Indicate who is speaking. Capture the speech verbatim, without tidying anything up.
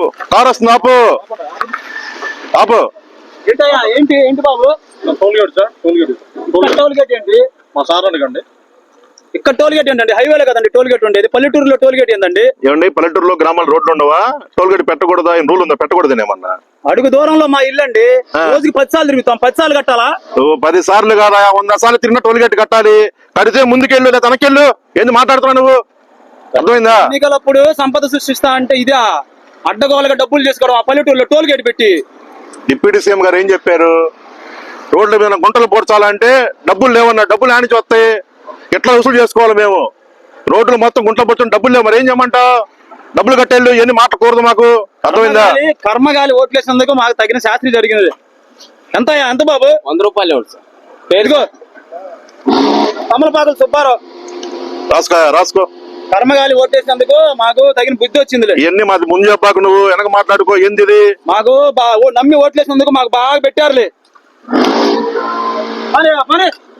Speaker 1: Car వస్తుంది ఆపు ఆపు.
Speaker 2: ఏంటయ్యా ఏంటి ఏంటి బాబు?
Speaker 3: Toll gate sir, toll gate.
Speaker 2: Toll gate ఏంటి?
Speaker 3: మా సార్ అడగండి.
Speaker 2: ఇక్కడ టోల్ గేట్ ఏంటండి? హైవేలో కదండి టోల్ గేట్ ఉండేది. పల్లెటూరులో టోల్ గేట్ ఏందండి?
Speaker 1: ఏమండి పల్లెటూరులో గ్రామాల రోడ్లు ఉండవా? టోల్ గేట్ పెట్టకూడదా? ఏం రూల్ ఉందా? పెట్టకూడదు ఏమన్నా?
Speaker 2: అడుగు దూరంలో మా ఇల్లు అండి. రోజుకి పది సార్లు తిరుగుతాం. పది సార్లు కట్టాలా?
Speaker 1: పది సార్లు కాదా, వంద సార్లు తిరిగిన టోల్ గేట్ కట్టాలి. కడితే ముందుకెళ్ళు లేదా వెనకెళ్ళు. ఏంది మాట్లాడుతున్నావు నువ్వు? అర్థమైందా?
Speaker 2: ఎన్నికలప్పుడు సంపద సృష్టిస్తా అంటే ఇదే అడ్డగోలుగా డబ్బులు చేసుకోవడం. ఆ పల్లెటూరులో టోల్ గేట్ పెట్టి
Speaker 1: డిప్యూటీ సీఎం గారు ఏం చెప్పారు? రోడ్ల మీద గుంటలు పోడ్చాలంటే డబ్బులు లేవన్నా. డబ్బులు ఆనిచి వస్తాయి. ఎట్లా వసూలు చేసుకోవాలి మేము? రోడ్లు మొత్తం గుంటలు పోర్చుని డబ్బులు లేవు. మరి ఏం చేయమంటావు? డబ్బులు కట్టేళ్ళు ఎన్ని మాట్లాడకూడదు మాకు. అర్థమైందా?
Speaker 2: కర్మగాలి ఓట్లేసినందుకు మాకు తగిన శాస్త్రి జరిగినది. ఎంత ఎంత బాబు?
Speaker 3: వంద రూపాయలు ఇవ్వండి సార్.
Speaker 2: పేరుగో కమలపాకులు సుబ్బారావు.
Speaker 1: రాసుకో రాసుకో.
Speaker 2: కర్మగాలి ఓటేసినందుకు మాకు తగిన బుద్ధి వచ్చింది.
Speaker 1: ఇవన్నీ మాది ముందు చెప్పాకు, నువ్వు వెనక మాట్లాడుకో. ఏంది ఇది?
Speaker 2: మాకు నమ్మి ఓట్లేసినందుకు మాకు బాగా పెట్టారులే.